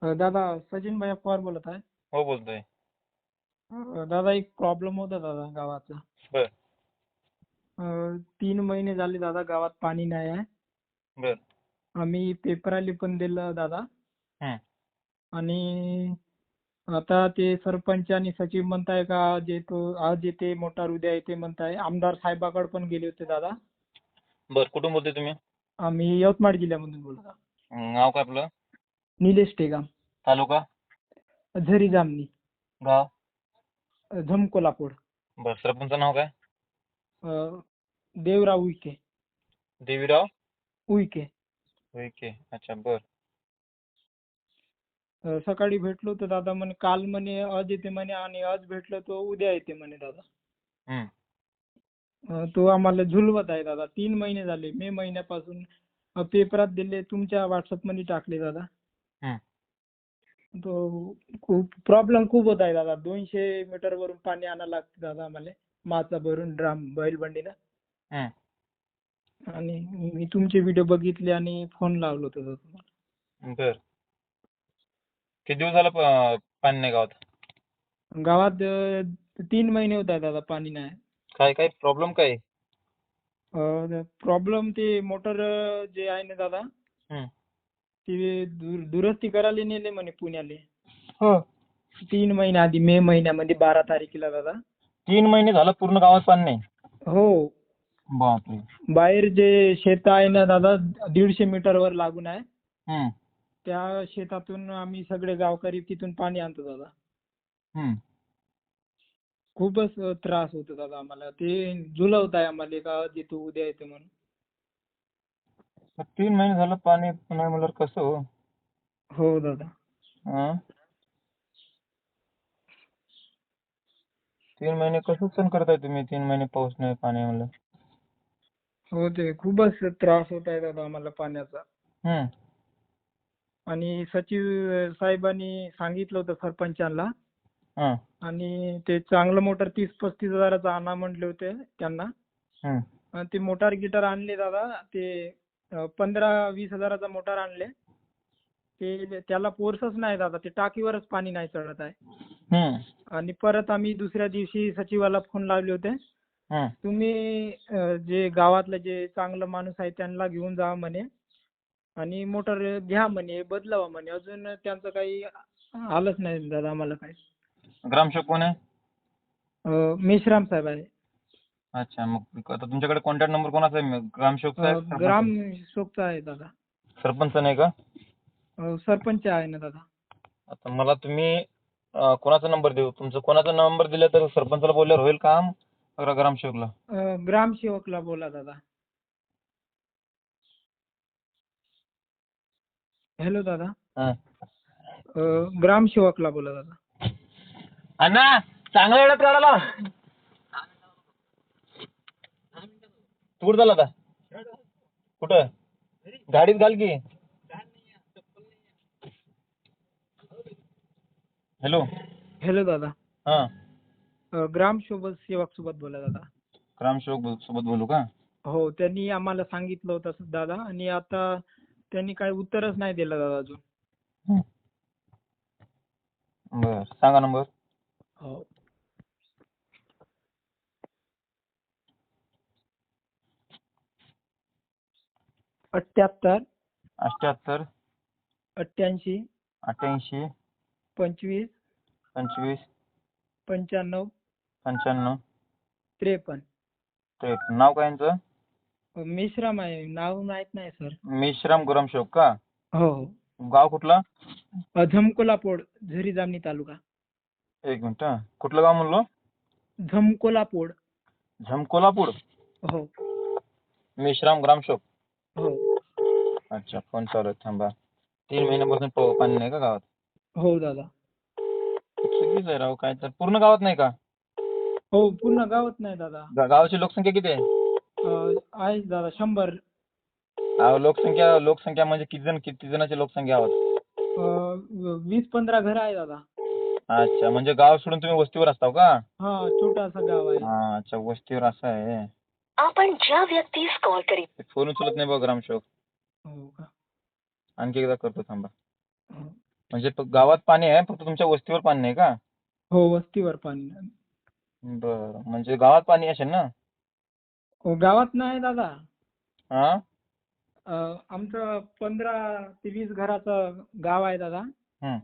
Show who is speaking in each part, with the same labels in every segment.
Speaker 1: दादा सचिन भाई पवार बोलत आहे.
Speaker 2: हो बोलतोय.
Speaker 1: दादा एक प्रॉब्लेम होता दादा गावाचा.
Speaker 2: बर
Speaker 1: 3 महिने झाले दादा गावात पाणी नाही आहे.
Speaker 2: बर
Speaker 1: आम्ही पेपराले पण दिलं दादा.
Speaker 2: हं.
Speaker 1: आणि आता ते सरपंच आणि सचिव म्हणताय का आज येते मोटार उद्या येते म्हणताय. आमदार साहेबाकडे पण गेले होते दादा.
Speaker 2: बर कुठून बोलतोय तुम्ही?
Speaker 1: आम्ही यवतमाळ जिल्ह्यामधून बोलत आहोत.
Speaker 2: नाव काय आपलं?
Speaker 1: निलेश टेगाम,
Speaker 2: तालुका?
Speaker 1: झरी जामनी,
Speaker 2: गाव?
Speaker 1: झमकोलापूर.
Speaker 2: बर सरपंच नाव काय?
Speaker 1: देवराव उईके.
Speaker 2: देवीराव
Speaker 1: उईके.
Speaker 2: उईके. अच्छा बर.
Speaker 1: सकाळी भेटलो होतो दादा. म्हणे काल म्हणे आज येते म्हणे आणि आज भेटलो तो उद्या येते म्हणे दादा.
Speaker 2: हं.
Speaker 1: तो आम्हाला झुलवत आहे दादा. 3 महिने झाले. मे महिन्यापासून पेपरात दिले, तुमच्या व्हॉट्सअपमध्ये टाकले दादा.
Speaker 2: हं.
Speaker 1: तो खूप प्रॉब्लेम खूप होत आहे दादा. 200 मीटरवरून पाणी आणायला लागते दादा आम्हाला, माचा भरून ड्राम बैलबंडीनं.
Speaker 2: हं.
Speaker 1: आणि मी तुमचे व्हिडिओ बघितले आणि फोन लावलो होतो दादा तुम्हाला.
Speaker 2: बर किती दिवस झालं पाणी नाही गावात?
Speaker 1: गावात 3 महिने होत आहे दादा पाणी नाही.
Speaker 2: काय काय प्रॉब्लेम काय?
Speaker 1: प्रॉब्लेम ते मोटर जे आहे ना दादा,
Speaker 2: हं.
Speaker 1: ते दुरुस्ती करायला नेले म्हणे पुण्याले.
Speaker 2: हो.
Speaker 1: 3 महिने आधी, मे महिन्यामध्ये 12 तारखेला दादा.
Speaker 2: 3 महिने झालं पूर्ण गावात पाणी नाही?
Speaker 1: हो.
Speaker 2: बापरे.
Speaker 1: बाहेर जे शेत आहे ना दादा, 150 मीटरवर लागून आहे.
Speaker 2: हं.
Speaker 1: त्या शेतातून आम्ही सगळे गावकरी तिथून पाणी आणतो दादा.
Speaker 2: हं.
Speaker 1: खूपच त्रास होतो दादा आम्हाला. ते झुलवत आहे आम्हाला का आज येतो उद्या येतो म्हणून.
Speaker 2: 3 महिने झालं पाणी नाही म्हणल्यावर कसं हो?
Speaker 1: हो दादा.
Speaker 2: हं? 3 महिने कसं सहन करताय तुम्ही? 3 महिने पाऊस नाही पाणी म्हणलं.
Speaker 1: हो, ते खूपच त्रास होत आहे दादा आम्हाला पाण्याचा.
Speaker 2: हं.
Speaker 1: आणि सचिव साहेबांनी सांगितलं होतं सरपंचांना.
Speaker 2: हं.
Speaker 1: आणि ते चांगलं मोटर 30-35 हजाराचं आणा म्हटले होते त्यांना.
Speaker 2: हं.
Speaker 1: आणि ते मोटार गिटार आणले दादा. ते 15-20 हजाराचा मोटार आणले. ते त्याला फोर्सच नाही दादा. ते टाकीवरच पाणी नाही चढत आहे.
Speaker 2: हं.
Speaker 1: आणि परत आम्ही दुसऱ्या दिवशी सचिवाला फोन लावले होते.
Speaker 2: हं.
Speaker 1: तुम्ही जे गावातलं जे चांगलं माणूस आहे त्यांना घेऊन जा म्हणे आणि मोटर घ्या म्हणे, बदलावा म्हणे. अजून त्यांचं काही आलंच नाही दादा आम्हाला काही.
Speaker 2: ग्रामसेवक कोण आहे?
Speaker 1: मेश्राम साहेब आहे.
Speaker 2: अच्छा मग आता तुमच्याकडे कॉन्टॅक्ट नंबर कोणाचा आहे? ग्रामसेवकचा आहे का
Speaker 1: ग्राम
Speaker 2: सरपंच?
Speaker 1: शोकचा आहे दादा.
Speaker 2: सरपंच नाही का?
Speaker 1: सरपंच आहे ना दादा.
Speaker 2: आता मला तुम्ही कोणाचा नंबर देऊ? तुमचा कोणाचा नंबर दिला तर सरपंचाला बोलल्यावर होईल काम का ग्रामसेवकला?
Speaker 1: ग्रामसेवकला बोला दादा. हॅलो दादा.
Speaker 2: हं.
Speaker 1: ग्रामसेवकला बोला दादा.
Speaker 2: अण्णा चांगला वेळात काढाला. तू कुठं चालला आता? कुठं? गाडीत घाल की. हॅलो.
Speaker 1: हॅलो दादा.
Speaker 2: हां.
Speaker 1: ग्रामसेवक सोबत बोला दादा.
Speaker 2: ग्रामसेवक सोबत बोलू का?
Speaker 1: हो, त्यांनी आम्हाला सांगितलं होतं दादा. आणि आता त्यांनी काही उत्तरच नाही दिलं दादा अजून.
Speaker 2: हं. बरं सांगा नंबर.
Speaker 1: हो. 78
Speaker 2: 78
Speaker 1: 88
Speaker 2: 88
Speaker 1: 25
Speaker 2: 25
Speaker 1: 95
Speaker 2: 95
Speaker 1: 53.
Speaker 2: 53. नाव काय यांचं?
Speaker 1: मेश्राम आहे. नाव माहित नाही सर.
Speaker 2: मेश्राम ग्रामसेवक का?
Speaker 1: हो हो.
Speaker 2: गाव कुठलं?
Speaker 1: झमकोलापोड, झरी जामणी तालुका.
Speaker 2: एक मिनिट हा. कुठलं गाव म्हणलो?
Speaker 1: झमकोलापोड.
Speaker 2: झमकोलापूर.
Speaker 1: हो
Speaker 2: मेश्राम ग्रामसेवक.
Speaker 1: हो
Speaker 2: अच्छा फोन चालू आहे थांबा. 3 महिन्यापासून पाणी नाही का गावात?
Speaker 1: हो दादा.
Speaker 2: चुकीच आहे राव. काय तर पूर्ण गावात नाही का?
Speaker 1: हो, पूर्ण गावात नाही दादा.
Speaker 2: गावाची लोकसंख्या किती आहे?
Speaker 1: आहे दादा 100.
Speaker 2: अहो लोकसंख्या म्हणजे किती जणांची लोकसंख्या आहोत?
Speaker 1: 20-15 घर आहे दादा.
Speaker 2: अच्छा म्हणजे गाव सोडून तुम्ही वस्तीवर असता का?
Speaker 1: हा, छोटासा गाव आहे.
Speaker 2: हा अच्छा वस्तीवर असं आहे.
Speaker 3: आपण ज्या व्यक्तीस कॉल करीत
Speaker 2: फोन उचलत नाही बघ ग्रामसेवक.
Speaker 1: हो का?
Speaker 2: आणखी एकदा करतो थांबा.
Speaker 1: हो.
Speaker 2: म्हणजे गावात पाणी आहे, फक्त तुमच्या वस्तीवर पाणी नाही का?
Speaker 1: हो, वस्तीवर पाणी नाही.
Speaker 2: बरं, म्हणजे गावात पाणी असेल ना?
Speaker 1: हो, गावात नाही दादा.
Speaker 2: हा.
Speaker 1: आमचं 15 ते 20 घराचं गाव आहे दादा.
Speaker 2: हं.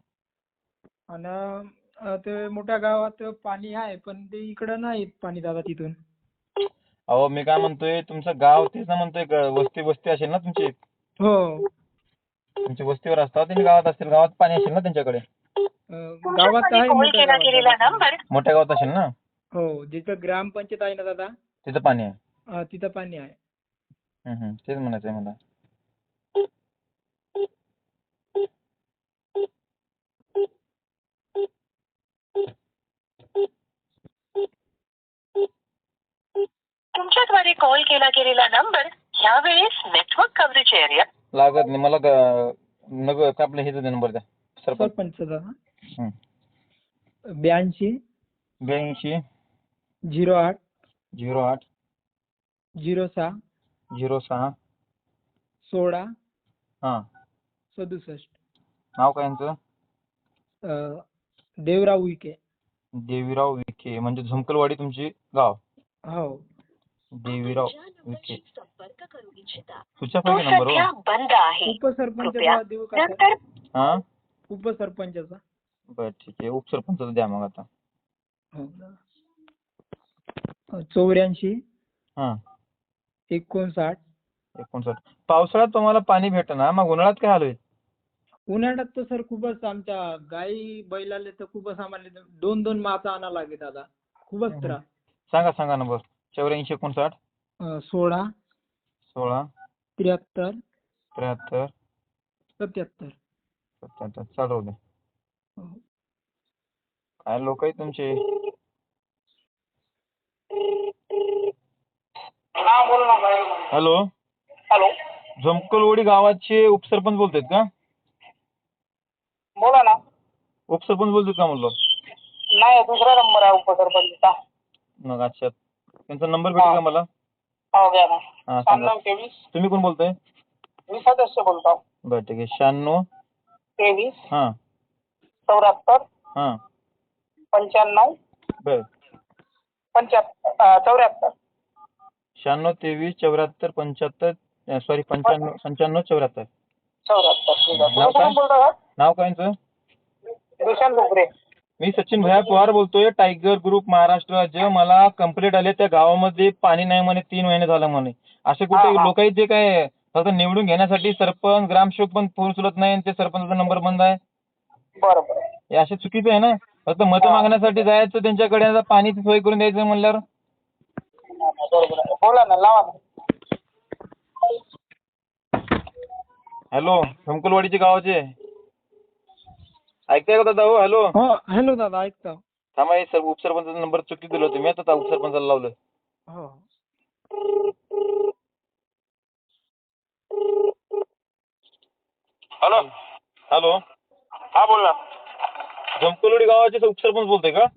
Speaker 1: आणि ते मोठ्या गावात पाणी आहे, पण ते इकडं नाही येत पाणी दादा तिथून.
Speaker 2: अहो मी काय म्हणतोय, तुमचं गाव तेच ना म्हणतोय, वस्ती वस्ती असेल ना तुमची?
Speaker 1: हो.
Speaker 2: तुमची वस्तीवर असतात, त्यांनी गावात असतील, गावात पाणी असेल ना त्यांच्याकडे?
Speaker 1: गावात आहे, मोठ्या गावात दादा पाणी.
Speaker 2: मोठ्या गावात असेल ना?
Speaker 1: हो, जिथं ग्रामपंचायत आहे ना दादा,
Speaker 2: तिथं पाणी आहे.
Speaker 1: तिथं पाणी आहे.
Speaker 2: तेच म्हणायचंय मला.
Speaker 3: तुमच्याद्वारे कॉल केला गेलेला नंबर ह्यावेळेस नेटवर्क कव्हरेज एरिया
Speaker 2: लागत नाही मला. नको का आपलं हेच नंबर द्या, सरपंच.
Speaker 1: सरपंच दादा.
Speaker 2: हं.
Speaker 1: 82
Speaker 2: 82
Speaker 1: 08
Speaker 2: 08
Speaker 1: 06
Speaker 2: 06
Speaker 1: 16
Speaker 2: हां.
Speaker 1: 67.
Speaker 2: नाव काय यांचं?
Speaker 1: देवराव उईके.
Speaker 2: देवीराव विखे, म्हणजे झुमकलवाडी तुमची गाव?
Speaker 1: हो.
Speaker 2: देवीराव विखे.
Speaker 3: संपर्क करू इच्छिता
Speaker 2: तुझ्या
Speaker 3: तो
Speaker 2: पाहिजे नंबर
Speaker 3: सध्या
Speaker 2: हो.
Speaker 3: बंद आहे.
Speaker 1: उपसरपंचाचा देऊ का सर?
Speaker 3: नंतर
Speaker 2: हा.
Speaker 1: उपसरपंचाचा.
Speaker 2: बरं ठीक आहे, उपसरपंचाचं द्या मग आता.
Speaker 1: हो. 84
Speaker 2: हां.
Speaker 1: 59.
Speaker 2: 59. पावसाळ्यात तुम्हाला पाणी भेटेना, मग उन्हाळ्यात काय हाल होईल?
Speaker 1: उन्हाळ्यात तर सर खूपच आमच्या गाई बैलाले तर खूपच आम्हाला 2-2 मासा आणावं लागे दादा. खूपच त्रास.
Speaker 2: सांगा नंबर. 84 59
Speaker 1: 16
Speaker 2: 16
Speaker 1: 73
Speaker 2: 73
Speaker 1: 77.
Speaker 2: 77. चालू दे.
Speaker 1: हो.
Speaker 2: काय लोक आहेत तुमचे. हॅलो.
Speaker 4: हॅलो,
Speaker 2: झमकलवाडी गावाचे उपसरपंच बोलतायत का?
Speaker 4: बोला ना.
Speaker 2: उपसरपंच बोलतात का म्हणलो?
Speaker 4: नाही, दुसरा नंबर आहे उपसरपंचचा.
Speaker 2: मग अच्छा, त्यांचा नंबर भेटेल का मला?
Speaker 4: हो, घ्या ना.
Speaker 2: हा सांगा.
Speaker 4: 96 23.
Speaker 2: तुम्ही कोण बोलताय?
Speaker 4: मी सदस्य बोलतो.
Speaker 2: बरं ठीक आहे. 96
Speaker 4: 23
Speaker 2: हां
Speaker 4: 74
Speaker 2: हां
Speaker 4: 95
Speaker 2: बरं
Speaker 4: 74.
Speaker 2: 96 23 74 75 सॉरी 95 95 74.
Speaker 4: 74. ठीक आहे.
Speaker 2: नाव
Speaker 4: तुम्ही
Speaker 2: काय?
Speaker 4: कोण बोलता का?
Speaker 2: नाव काय यांचं?
Speaker 4: दुशांत डोकरे.
Speaker 2: मी सचिन भैया पवार बोलतोय, टायगर ग्रुप महाराष्ट्र राज्य. मला कंप्लेंट आली त्या गावामध्ये पाणी नाही म्हणे, 3 महिने झालं म्हणे. असे कुठे
Speaker 4: हा.
Speaker 2: लोक आहेत जे काय फक्त निवडून घेण्यासाठी सरपंच ग्रामसेवक पण फोन उचलत नाही आणि ते सरपंचाचा नंबर बंद आहे.
Speaker 4: बरोबर.
Speaker 2: हे असे चुकीचं आहे ना. फक्त मतं मागण्यासाठी जायचं त्यांच्याकडे, आता पाणीची सोय करून द्यायचं म्हणल्यावर.
Speaker 4: बरोबर आहे. बोला ना, लावा ना.
Speaker 2: हॅलो, झमकलवाडीचे गावाचे ऐकताय का दादा? हो हॅलो.
Speaker 1: हो, हॅलो दादा, ऐकतो.
Speaker 2: थांबा, हे सर उपसरपंचाचा नंबर चुकी दिला तुम्ही, आता उपसरपंचाला लावलं.
Speaker 1: हो.
Speaker 4: हॅलो.
Speaker 2: हॅलो.
Speaker 4: हा, बोल ना.
Speaker 2: झमकलवाडी गावाचे उपसरपंच बोलतोय का?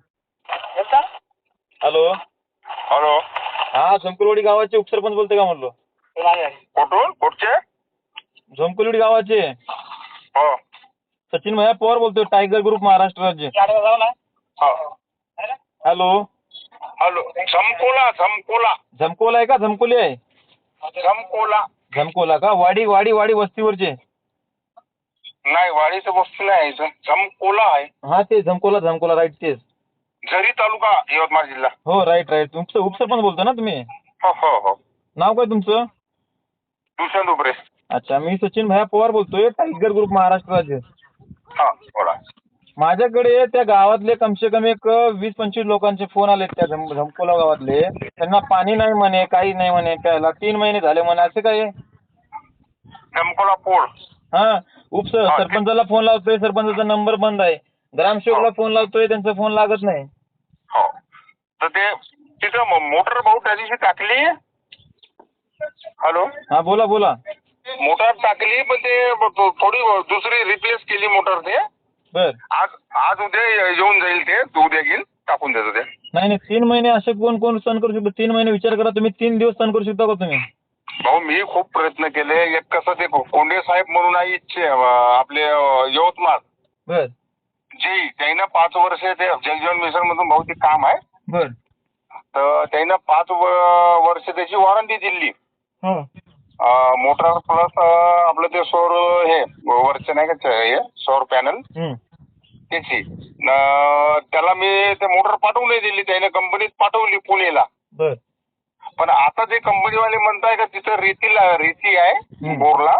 Speaker 2: हॅलो.
Speaker 4: हॅलो.
Speaker 2: हा, झमकलवाडी गावाचे उपसरपंच बोलतोय का म्हणलो?
Speaker 4: कुठून? कुठचे?
Speaker 2: झमकलवाडी गावाचे
Speaker 4: हो.
Speaker 2: सचिन भैया पवार बोलतोय, टायगर ग्रुप महाराष्ट्र राज्य.
Speaker 4: जाऊ ना. हो.
Speaker 2: हॅलो.
Speaker 4: हॅलो. झमकोला.
Speaker 2: झमकोला आहे का झमकोली आहे? झमकोला का? वाडी वस्तीवरचे?
Speaker 4: नाही, वाडीचं वस्तू नाही, झमकोला आहे.
Speaker 2: हा ते झमकोला राईट तेच.
Speaker 4: झरी तालुका, यवतमाळ जिल्हा.
Speaker 2: हो राईट. तुमचं उपसरपंच बोलतो ना तुम्ही?
Speaker 4: हो.
Speaker 2: नाव काय तुमचं?
Speaker 4: दुशांत डोकरे.
Speaker 2: अच्छा, मी सचिन भैया पवार बोलतोय, टायगर ग्रुप महाराष्ट्र राज्य.
Speaker 4: हा, बोला.
Speaker 2: माझ्याकडे त्या गावातले कमसे कम एक 20-25 लोकांचे फोन आले त्या झमकोला गावातले. त्यांना पाणी नाही म्हणे, काही नाही म्हणे प्यायला, 3 महिने झाले म्हणे. असं काय?
Speaker 4: झमकोला पोळ.
Speaker 2: हा, सरपंचाला फोन लावतोय, सरपंचाचा नंबर बंद आहे. ग्रामसेवकला फोन लावतोय, त्यांचा फोन लागत नाही.
Speaker 4: हो, तर ते तिथं मोटर भाऊ त्या दिवशी टाकली. हॅलो.
Speaker 2: हा बोला.
Speaker 4: मोटर टाकली, पण ते थोडी दुसरी रिप्लेस केली मोटर. ते
Speaker 2: बर.
Speaker 4: आज उद्या येऊन जाईल, ते उद्या येईल, टाकून देतो ते.
Speaker 2: नाही 3 महिने असे कोण सण करू शकतो? 3 महिने विचार करा तुम्ही, 3 दिवस सण करू शकता का तुम्ही?
Speaker 4: भाऊ, मी खूप प्रयत्न केले. एक कसं ते कोंडे साहेब म्हणून आहे इच्छे आपले यवतमाळ,
Speaker 2: बर
Speaker 4: जे त्यांना 5 वर्ष ते जलजीवन मिशन मधून बहुतेक काम आहे.
Speaker 2: बर
Speaker 4: तर त्यांना 5 वर्ष त्याची वॉरंटी दिली.
Speaker 2: हा
Speaker 4: मोटर प्लस आपलं ते सौर हे वरचं नाही का हे सौर पॅनल त्याची त्याला मी ते मोटर पाठवून नाही दिली. त्याने कंपनीत पाठवली पुणेला.
Speaker 2: बर
Speaker 4: पण आता ते कंपनीवाले म्हणताय का तिथं रेती आहे बोरला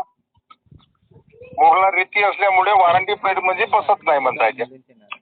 Speaker 4: रेती असल्यामुळे वॉरंटी पिरियड म्हणजे बसत नाही म्हणताय ते.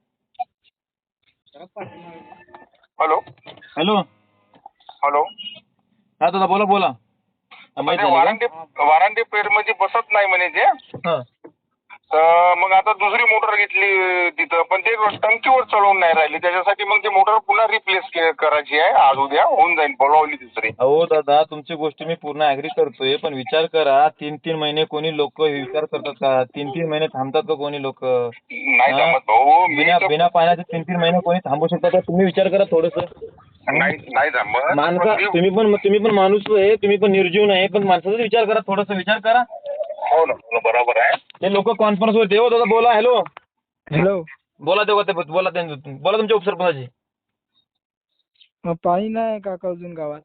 Speaker 4: हॅलो
Speaker 2: हॅलो
Speaker 4: हॅलो
Speaker 2: हा दादा बोला बोला. माहिती झालं का?
Speaker 4: वॉरंटी पिरियड मध्ये बसत नाही म्हणे ते.
Speaker 2: हा
Speaker 4: तर मग आता दुसरी मोटर घेतली तिथं पण ते टंकीवर चढवून नाही राहिली. त्याच्यासाठी मग ती मोटर पुन्हा रिप्लेस करायची आहे. आज उद्या होऊन जाईल. बोलावली दुसरी.
Speaker 2: अहो दादा तुमची गोष्ट मी पूर्ण ऍग्री करतोय पण विचार करा 3-3 महिने कोणी लोक विचार करतात का? 3-3 महिने थांबतात का कोणी लोक?
Speaker 4: नाही जमत भाऊ.
Speaker 2: बिना पाण्याचे 3-3 महिने कोणी थांबू शकतात का? तुम्ही विचार करा थोडस.
Speaker 4: नाही जमत.
Speaker 2: माणसा तुम्ही पण माणूस आहे. तुम्ही पण निर्जीव नाही पण माणसाचा विचार करा थोडासा विचार करा.
Speaker 4: हो ना बरोबर आहे.
Speaker 2: ते लोक कॉन्फरन्स वर देव दादा बोला. Hello
Speaker 1: hello.
Speaker 2: बोला बोला बोला तुमच्या उपसरपंचाची.
Speaker 1: पाणी नाही काका अजून गावात.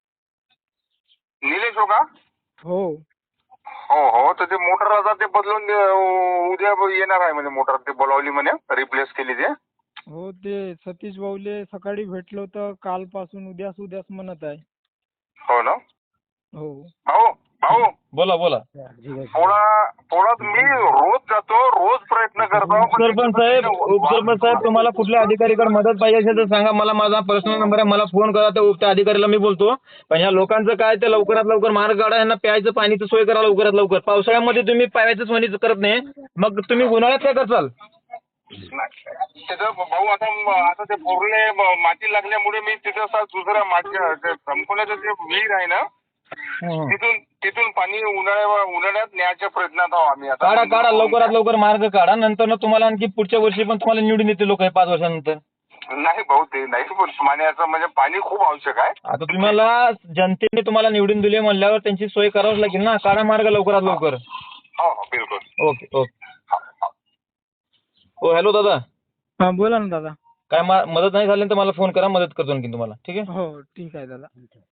Speaker 4: निलेश हो का?
Speaker 1: हो.
Speaker 4: हो तर ते मोटर आता ते बदलून उद्या येणार आहे म्हणे. मोटर ते बोलावली म्हणे रिप्लेस केली ते.
Speaker 1: हो ते सतीश भाऊले सकाळी भेटलो तर कालपासून उद्याच म्हणत आहे.
Speaker 4: हो ना.
Speaker 1: हो.
Speaker 4: भाऊ
Speaker 2: बोला बोला.
Speaker 4: थोडा मी रोज जातो. रोज प्रयत्न करतो.
Speaker 2: उपसरपंच साहेब तुम्हाला कुठल्या अधिकारीकडे मदत पाहिजे असेल तर सांगा. मला माझा पर्सनल नंबर आहे. मला फोन करा. त्या अधिकाऱ्याला मी बोलतो. पण ह्या लोकांचं काय ते लवकरात लवकर मार्ग काढा. यांना प्यायचं पाणीची सोय करा लवकरात लवकर. पावसाळ्यामध्ये तुम्ही प्यायचं सोय करत नाही मग तुम्ही उन्हाळ्यात काय करताल?
Speaker 4: तिथं भाऊ आता ते बोरले माती लागल्यामुळे मी तिथं दुसऱ्या माती संपवण्याचं जे विहीर आहे ना तिथून पाणी उन्हाळ्यात न्यायच्या प्रयत्नात आहोत आम्ही आता.
Speaker 2: काढा लवकरात लवकर मार्ग काढा. नंतर तुम्हाला आणखी पुढच्या वर्षी पण तुम्हाला निवडून येते लोक 5 वर्षानंतर.
Speaker 4: नाही भाऊ ते नाही पाण्याचं म्हणजे पाणी खूप आवश्यक आहे.
Speaker 2: आता तुम्हाला जनतेने तुम्हाला निवडून दिले म्हणल्यावर त्यांची सोय करावंच लागेल ना. काढा मार्ग लवकरात लवकर.
Speaker 4: हो बिलकुल.
Speaker 2: ओके. हो हॅलो दादा.
Speaker 1: हा बोला ना दादा.
Speaker 2: काय मदत नाही झाली तर मला फोन करा. मदत करतो आणखी तुम्हाला. ठीक आहे.
Speaker 1: हो ठीक आहे दादा.